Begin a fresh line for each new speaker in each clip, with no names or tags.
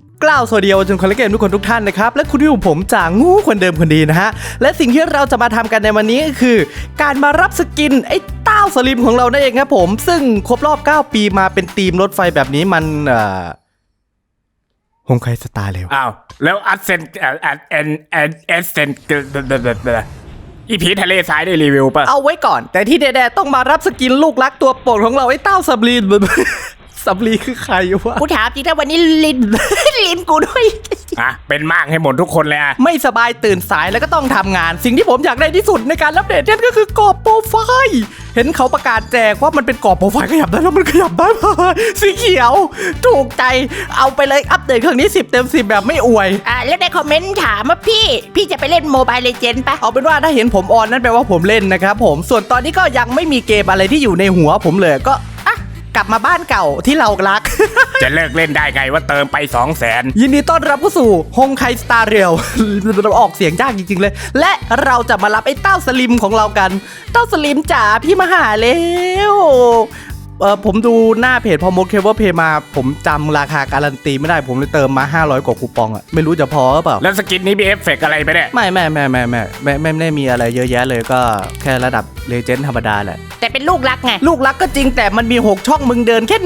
กล่าวสวัสดีเยาวชนคนเล่นเกมทุกคนทุกท่านนะครับและคุณที่อยู่ผมจากงูคนเดิมคนดีนะฮะและสิ่งที่เราจะมาทำกันในวันนี้ก็คือการมารับสกินไอ้เต้าสลิมของเรานั่นเองครับผมซึ่งครบรอบ9 ปีมาเป็นธีมรถไฟแบบนี้มันฮงไคสตาร์เร็ว
อ้าวแล้วอัดเซนอีพีทะเลทรายได้รีวิวป่ะ
เอาไว้ก่อนแต่ที่แน่ๆต้องมารับสกินลูกรักตัวโปรดของเราไอ้เต้าสับลีน สับลีคือใครวะ
กูถามจริงถ้าวันนี้ลิน ลินกูด้วย
อ่ะเป็นมากให้หมดทุกคนเลยอ่ะ
ไม่สบายตื่นสายแล้วก็ต้องทำงานสิ่งที่ผมอยากได้ที่สุดในการอัปเดตเนี่ยก็คือกรอบโปรไฟล์เห็นเขาประกาศแจกว่ามันเป็นกรอบโปรไฟล์ขยับได้แล้วมันขยับได้ สีเขียวถูกใจเอาไปเลยอัปเดตครั้งนี้10 เต็ม 10แบบไม่อวย
แล้วในคอมเมนต์ถามว่าพี่จะไปเล่นโมบายเลเจนด์ปะ
เอาเป็นว่าถ้าเห็นผมออนนั่นแปลว่าผมเล่นนะครับผมส่วนตอนนี้ก็ยังไม่มีเกมอะไรที่อยู่ในหัวผมเลยก็กลับมาบ้านเก่าที่เรารัก
จะเลิกเล่นได้ไงว่าเติมไป 200,000
ยินดีต้อนรับเข้าสู่ฮงไคสตาร์เรียล ออกเสียงยากจริงๆเลยและเราจะมารับไอ้เต้าสลิมของเรากันเต้าสลิมจ๋าพี่มาหาแล้วผมดูหน้าเพจพอมดเคเบิลเพย์มาผมจำราคาการันตีไม่ได้ผมเลยเติมมา500 กว่าคูปองอะไม่รู้จะพอหรือเปล่า
แล้วสกินนี้มีเอฟเฟกต์อะไรไปเนี่ย
ไม่ได้มีอะไรเยอะแยะเลยก็แค่ระดับเลเจนด์ธรรมดาแหละ
แต่เป็นลูกรักไง
ลูกรักก็จริงแต่มันมี6 ช่องมึงเดินแค่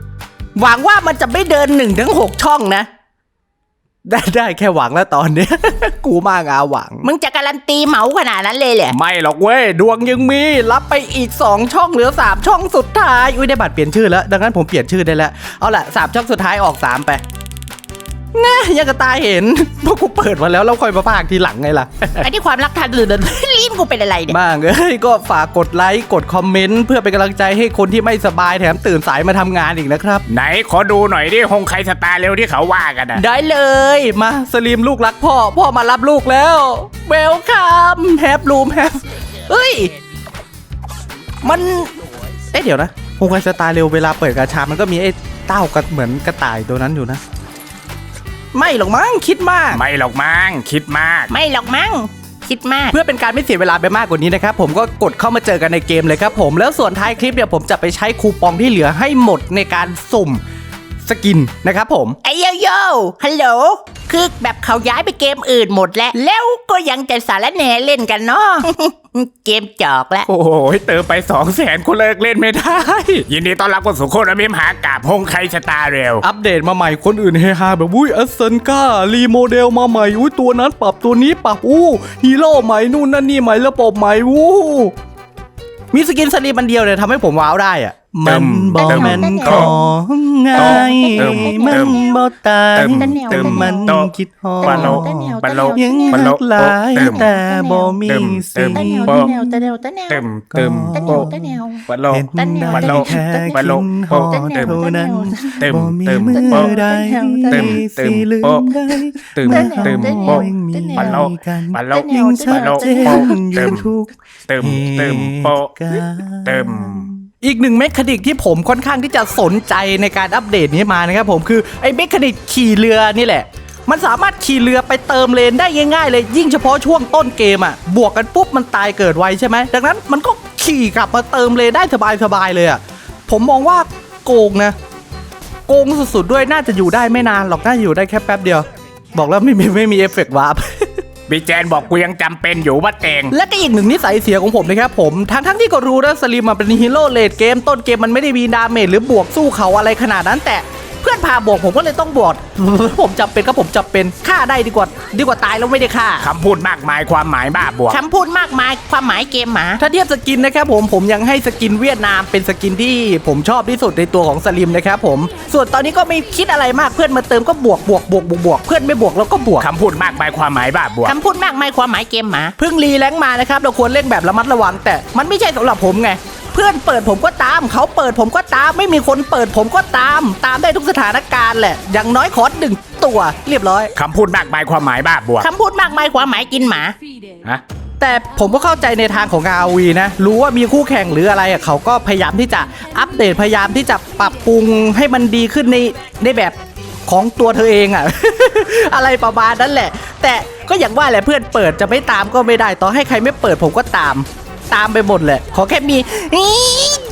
1หวังว่ามันจะไม่เดิน1 ถึง 6 ช่องนะได้แค่หวังแล้วตอนนี้ กูมากหวัง
มึงจะการันตีเหมาขนาดนั้นเลยเหรอ
ไม่หรอกเว้ยดวงยังมีรับไปอีก2 ช่องเหลือ3 ช่องสุดท้ายอุ้ยได้บัตรเปลี่ยนชื่อแล้วดังนั้นผมเปลี่ยนชื่อได้แล้วเอาล่ะ3 ช่องสุดท้ายออก3ไปนะยังกระตายเห็นพวกกูเปิดมาแล้วค่อยมาพากทีหลังไงล่ะ
ไอ้ที่ความรักทางอื่น ลิ้นกูเป็นอะไรเนี่ย
บ้างก็ฝากกดไลค์กดคอมเมนต์เพื่อเป็นกำลังใจให้คนที่ไม่สบายแถมตื่นสายมาทำงานอีกนะครับ
ไหนขอดูหน่อยดิฮงไคสตาร์เร็วที่เขาว่ากันอ่ะ
ได้เลยมาสลิมลูกรักพ่อมารับลูกแล้วเวลคัมแฮปรูมแฮปเฮ้ยมันเดี๋ยวนะฮงไคสตาร์เร็วเวลาเปิดกาชามันก็มีไอ้เต้ากันเหมือนกระต่ายตัวนั้นอยู่นะไม่หรอกมั้งคิดมาก
ไม่หรอกมั้งคิดมาก
ไม่หรอกมั้งคิดมาก
เพื่อเป็นการไม่เสียเวลาไปมากกว่านี้นะครับผมก็กดเข้ามาเจอกันในเกมเลยครับผมแล้วส่วนท้ายคลิปเนี่ยผมจะไปใช้คูปองที่เหลือให้หมดในการสุ่มสกินนะครับผม
ไอ้โยฮัลโหลคือแบบเขาย้ายไปเกมอื่นหมดแล้วก็ยังจะสารแหน่เล่นกันเนาะ เกมจอกแล้ว
โอ้โหเติมไป 200,000 คนเลิกเล่นไม่ได้ ยินดีต้อนรับเข้าสู่โคตรมิมหากาบฮงไคสตาร์เร็ว
อัปเดตมาใหม่คนอื่นเฮฮาแบบอุ้ยอัสเซนก้ารีโมเดลมาใหม่อุ้ยตัวนั้นปรับตัวนี้ปรับฮีโร่ใหม่นู่นนั่นนี่ใหม่ระบบใหม่มีสกินสลีมันเดียวเนี่ยทำให้ผมว้าวได้อะมันบอกแม่นของง่ายมันบอกตายแต่มันคิดฮอ
บัลโล
ยังหักหลายแต่บ่มีสิ
เติมบัลโล
เห็นได้แค่คิดฮอเท่านั้นบ่มีมือใดสิลืมได้
เติมบัลโลบัลโล
ยิ่งชัดเจนอยู่ทุก
เติมโปเติม
อีกหนึ่งเมคานิกที่ผมค่อนข้างที่จะสนใจในการอัปเดตนี้มานะครับผมคือไอ้เมคานิกขี่เรือนี่แหละมันสามารถขี่เรือไปเติมเลนได้ง่ายๆเลยยิ่งเฉพาะช่วงต้นเกมอ่ะบวกกันปุ๊บมันตายเกิดไวใช่ไหมดังนั้นมันก็ขี่กลับมาเติมเลนได้สบายๆเลยอ่ะผมมองว่าโกงนะโกงสุดๆด้วยน่าจะอยู่ได้ไม่นานหรอกน่าจะอยู่ได้แค่แป๊บเดียวบอกแล้วไม่มีเอฟเฟกต์วาร์ป
บีแจนบอกกูยังจำเป็นอยู่ว่าเตง
และก็อีกหนึ่งนิสัยเสียของผมนะครับผมทั้งที่ก็รู้นะสลิมเป็นฮีโร่เลดเกมต้นเกมมันไม่ได้มีดาเมจหรือบวกสู้เขาอะไรขนาดนั้นแต่เพื่อนพาบวกผมก็เลยต้องบวก ผมจำเป็นก็ผมจำเป็นฆ่าได้ดีกว่าตายแล้วไม่ได้ฆ่า
คำพูดมากมายความหมายบ้าบวก
คำพูดมากมายความหมายเกมหมา
ถ้าเทียบสกินนะครับผมยังให้สกินเวียดนามเป็นสกินที่ผมชอบที่สุดในตัวของสลิมนะครับผมส่วนตอนนี้ก็ไม่คิดอะไรมากเพื่อนมาเติมก็บวกเพื่อนไม่บวกแล้วก็บวก
คำพูดมากมายความหมายบ้าบวก
คำพูดมากมายความหมายเกมหมา
เพิ่งรีแรงค์มานะครับเราควรเล่นแบบระมัดระวังแต่มันไม่ใช่สำหรับผมไงเพื่อนเปิดผมก็ตามเขาเปิดผมก็ตามไม่มีคนเปิดผมก็ตามได้ทุกสถานการณ์แหละอย่างน้อยขอ1 ตัวเรียบร้อย
คำพูดมากมายความหมายบ้าบวก
คำพูดมากมายความหมายกินหมา
ฮะ
แต่ผมก็เข้าใจในทางของ ROV นะรู้ว่ามีคู่แข่งหรืออะไรอ่ะเขาก็พยายามที่จะอัปเดตพยายามที่จะปรับปรุงให้มันดีขึ้นในแบบของตัวเธอเองอ่ะ อะไรประมาณนั้นแหละแต่ก็อย่างว่าแหละเพื่อนเปิดจะไม่ตามก็ไม่ได้ต่อให้ใครไม่เปิดผมก็ตามไปหมดแหละขอแค่มียัก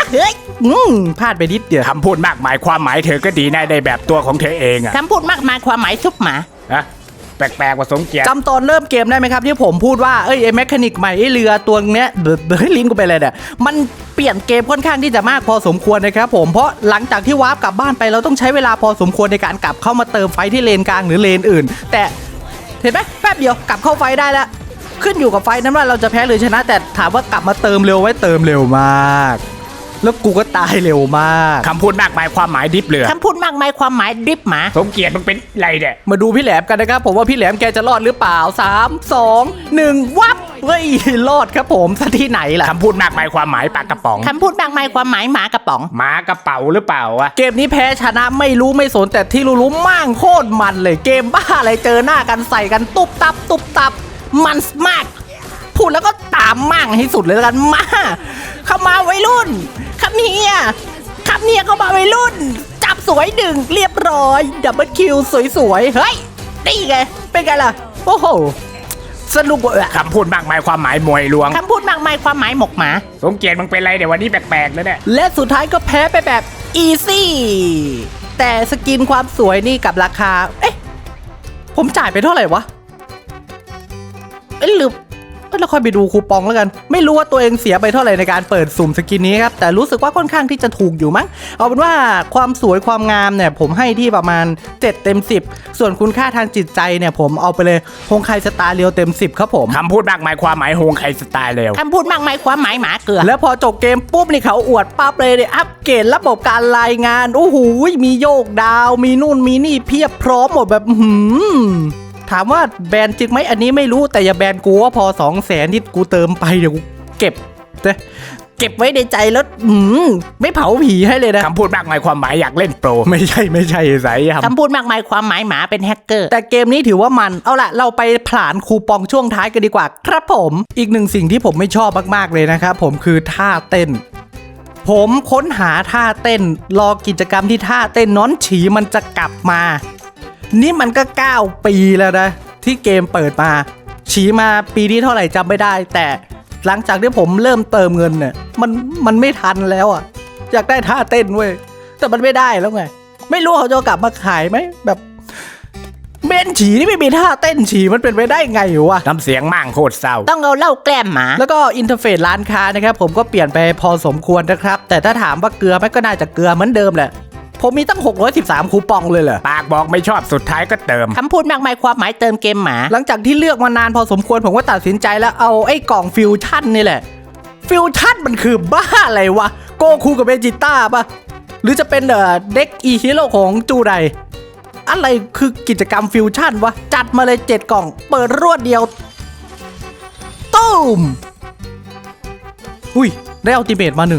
เฮ้ย
พลาดไปนิดเดียว
คำพูดมากมายความหมายเธอก็ดีนะในแบบตัวของเธอเองอะ
คำพูดมากมายความหมายซุปหมา
นะแปลกๆกว่าสมเกียรติ
จำตอนเริ่มเกมได้ไหมครับที่ผมพูดว่าไอ้แมคานิกใหม่ไอ้เรือตัวเนี้ยลิ้นกูไปเลยเนี่ยมันเปลี่ยนเกมค่อนข้างที่จะมากพอสมควรนะครับผมเพราะหลังจากที่วาร์ปกลับบ้านไปเราต้องใช้เวลาพอสมควรในการกลับเข้ามาเติมไฟที่เลนกลางหรือเลนอื่น แต่เห็นไหมแป๊บเดียวกลับเข้าไฟได้แล้วขึ้นอยู่กับไฟนั้นว่าเราจะแพ้หรือชนะ แต่ถามว่ากลับมาเติมเร็วไว้เติมเร็วมากแล้วกูก็ตายเร็วมาก
คำพูดมากมายความหมายดิบเรือ
คำพูดมากมายความหมายดริฟหมา
สมเกียรติมึงเป็นไรเนี่ย
มาดูพี่แหลมกันนะครับผมว่าพี่แหลมแกจะรอดหรือเปล่า3 2 1วับเฮ้ยรอดครับผมซะที่ไหนล่ะ
คำพูดมากมายความหมายปากกระป๋อง
คำพูดมากมายความหมายหมากระป๋อง
หมากระเป๋าหรือเปล่าวะ
เกมนี้แพ้ชนะไม่รู้ไม่สนแต่ที่รู้ๆมั่งโคตรมันเลยเกมบ้าอะไรเจอหน้ากันใส่กันตุบตับตุบตับมันมากพูดแล้วก็ตามมั่งให้สุดเลยแล้วกันมาเข้ามาวัยรุ่นครับเนี่ยเข้ามาวัยรุ่น จับสวยดึงเรียบร้อยดับเบิลคิวสวยๆเฮ้ยนี่ไงเป็นไงล่ะโอ้โหสนุกว่ะ
คำพูดมากมายความหมายมวยลวง
คำพูดมากมายความหมายหมกหมา
สมเกียรติมึงเป็นไรเดี๋ยววันนี้แปลกๆแล้วเนี่ย
และสุดท้ายก็แพ้ไปแบบอีซี่แต่สกินความสวยนี่กับราคาเอ๊ะผมจ่ายไปเท่าไหร่วะเอ๊ะหรือเราค่อยไปดูคูปองแล้วกันไม่รู้ว่าตัวเองเสียไปเท่าไหร่ในการเปิดสุ่มสกินนี้ครับแต่รู้สึกว่าค่อนข้างที่จะถูกอยู่มั้งเอาเป็นว่าความสวยความงามเนี่ยผมให้ที่ประมาณ7 เต็ม 10ส่วนคุณค่าทางจิตใจเนี่ยผมเอาไปเลยฮงไคสตาร์เรียวเต็ม 10ครับผม
คำพูดมากมายความหมายโฮงใครสไตล์เร็ว
คำพูดมากมายความหมายหมาเกลือ
แล้วพอจบเกมปุ๊บนี่เขาอวดปั๊บเลยเนี่ยอัปเกรดระบบการรายงานโอ้โหมีโยกดาวมีนู่นมีนี่เพียบพร้อมหมดแบบถามว่าแบนจริงไหมอันนี้ไม่รู้แต่อย่าแบนกูว่าพอ200,000ที่กูเติมไปเดี๋ยวกูเก็บไว้ในใจแล้วไม่เผาผีให้เลยนะ
คำพูดมากมายความหมายอยากเล่นโปร
ไม่ใช่สายครับ
คำพูดมากมายความหมายหมาเป็นแฮกเกอร์
แต่เกมนี้ถือว่ามันเอาล่ะเราไปผลานคูปองช่วงท้ายกันดีกว่าครับผมอีกหนึ่งสิ่งที่ผมไม่ชอบมากๆเลยนะครับผมคือท่าเต้นผมค้นหาท่าเต้นรอกิจกรรมที่ท่าเต้นน้อนฉีมันจะกลับมานี่มันก็9 ปีแล้วนะที่เกมเปิดมาฉีมาปีนี้เท่าไหร่จำไม่ได้แต่หลังจากที่ผมเริ่มเติมเงินเนี่ยมันไม่ทันแล้วอ่ะอยากได้ท่าเต้นเว้ยแต่มันไม่ได้แล้วไงไม่รู้เขาจะกลับมาขายไหมแบบเบนฉีนี่ไม่มีท่าเต้นฉีมันเป็นไปได้ไงวะ
น้ำเสียงมั่งโคตรเศร้า
ต้องเอาเหล้าแกล้มหมา
แล้วก็อินเทอร์เฟซร้านค้านะครับผมก็เปลี่ยนไปพอสมควรนะครับแต่ถ้าถามว่าเกลือไหมก็น่าจะเกลือเหมือนเดิมแหละผมมีตั้ง613คูปองเลยเหรอ
ปากบอกไม่ชอบสุดท้ายก็เติม
คำพูดมากมายความหมายเติมเกมหมา
หลังจากที่เลือกมานานพอสมควรผมก็ตัดสินใจแล้วเอาไอ้กล่องฟิวชั่นนี่แหละฟิวชั่นมันคือบ้าอะไรวะโกคูกับเบจิต้าปะหรือจะเป็นเด็กอีฮีโร่ของจูไดอะไรคือกิจกรรมฟิวชั่นวะจัดมาเลย7 กล่องเปิดรวดเดียวตุ้มอุ้ยได้อัลติเมทมา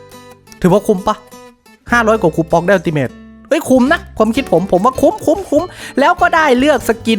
1ถือว่าคุ้มปะ500 กว่าคูปองได้อัลติเมทเอ้ยคุ้มนะความคิดผมว่าคุ้มแล้วก็ได้เลือกสกิน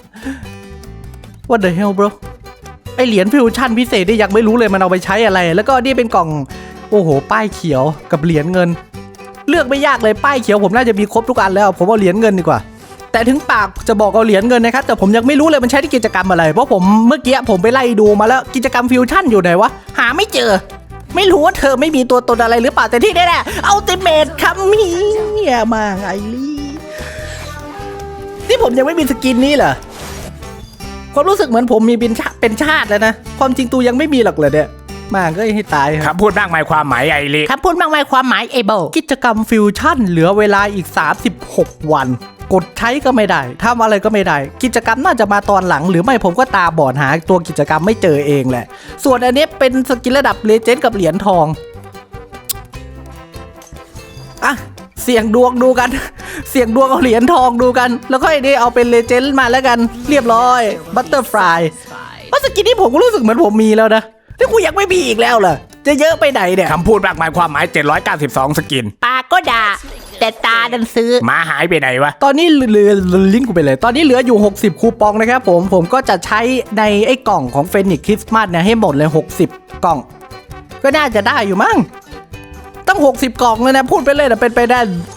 What the hell bro ไอเหรียญฟิวชั่นพิเศษนี่ยังไม่รู้เลยมันเอาไปใช้อะไรแล้วก็นี่เป็นกล่องโอ้โหป้ายเขียวกับเหรียญเงินเลือกไม่ยากเลยป้ายเขียวผมน่าจะมีครบทุกอันแล้วผมเอาเหรียญเงินดีกว่าแต่ถึงปากจะบอกเอาเหรียญเงินนะครับแต่ผมยังไม่รู้เลยมันใช้ที่กิจกรรมอะไรเพราะผมเมื่อกี้ผมไปไล่ดูมาแล้วกิจกรรมฟิวชั่นอยู่ไหนวะหาไม่เจอไม่รู้ว่าเธอไม่มีตัวตนอะไรหรือเปล่าแต่ที่แน่ๆอัลติเมทคัมมี่มาไงลี่ที่ผมยังไม่มีสกินนี้เหรอความรู้สึกเหมือนผมมีเป็นชาติแล้วนะความจริงตูยังไม่มีหรอกเลยเนี่ยมาก็ให้ตายครับ
คำพูดมากมายความหมายไอริ
คำพูดมากมายความหมายเอเบิล
กิจกรรมฟิวชั่นเหลือเวลาอีก36 วันกดใช้ก็ไม่ได้ทำอะไรก็ไม่ได้กิจกรรมน่าจะมาตอนหลังหรือไม่ผมก็ตาบอดหาตัวกิจกรรมไม่เจอเองแหละส่วนอันนี้เป็นสกินระดับเลเจนด์กับเหรียญทองอ่ะเสี่ยงดวงดูกัน เสี่ยงดวงเอาเหรียญทองดูกันแล้วค่อยได้เอาเป็นเลเจนด์มาแล้วกันเรียบร้อยบัตเตอร์ฟลายว่าสกินนี้ผมก็รู้สึกเหมือนผมมีแล้วนะที่กูยังไม่มีอีกแล้วเหรอจะเยอะไปไหนเนี่ย
คำพูดมากมายความหมาย792สกิน
ปากก็ด่าแต่ตาดันซื้อ
หมาหายไปไหนวะ
ตอนนี้เหลือลิงก์กูไปเลยตอนนี้เหลืออยู่60คูปองนะครับผมก็จะใช้ในไอ้กล่องของเฟนิกซ์คริสต์มาสเนี่ยให้หมดเลย60 กล่องก็น่าจะได้อยู่มั้งตั้ง60 กล่องเลยนะพูดไปเลยแต่เป็นไปได้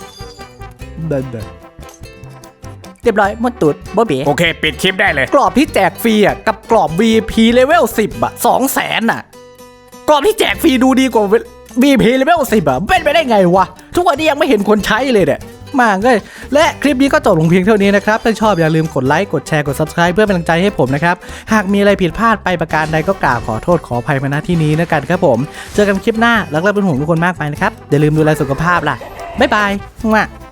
เรียบร้อยหมดตุดบ๊อบบี้
โอเค ปิดคลิปได้เลย
กรอบที่แจกฟรีอ่ะกับกรอบ VIP เลเวล10 อ่ะ 200,000 อ่ะกรอบที่แจกฟรีดูดีกว่า VP เลเวล10อะเป็นไปได้ไงวะทุกวันนี้ยังไม่เห็นคนใช้เลยเนี่ยมากเลยและคลิปนี้ก็จบลงเพียงเท่านี้นะครับถ้าชอบอย่าลืมกดไลค์กดแชร์กด Subscribe เพื่อเป็นกำลังใจให้ผมนะครับหากมีอะไรผิดพลาดไปประการใดก็กราบขอโทษขออภัยมาณที่นี้นะกันครับผมเจอกันคลิปหน้ารักและเป็นห่วงทุกคนมากไปนะครับอย่าลืมดูแลสุขภาพล่ะบ๊ายบาย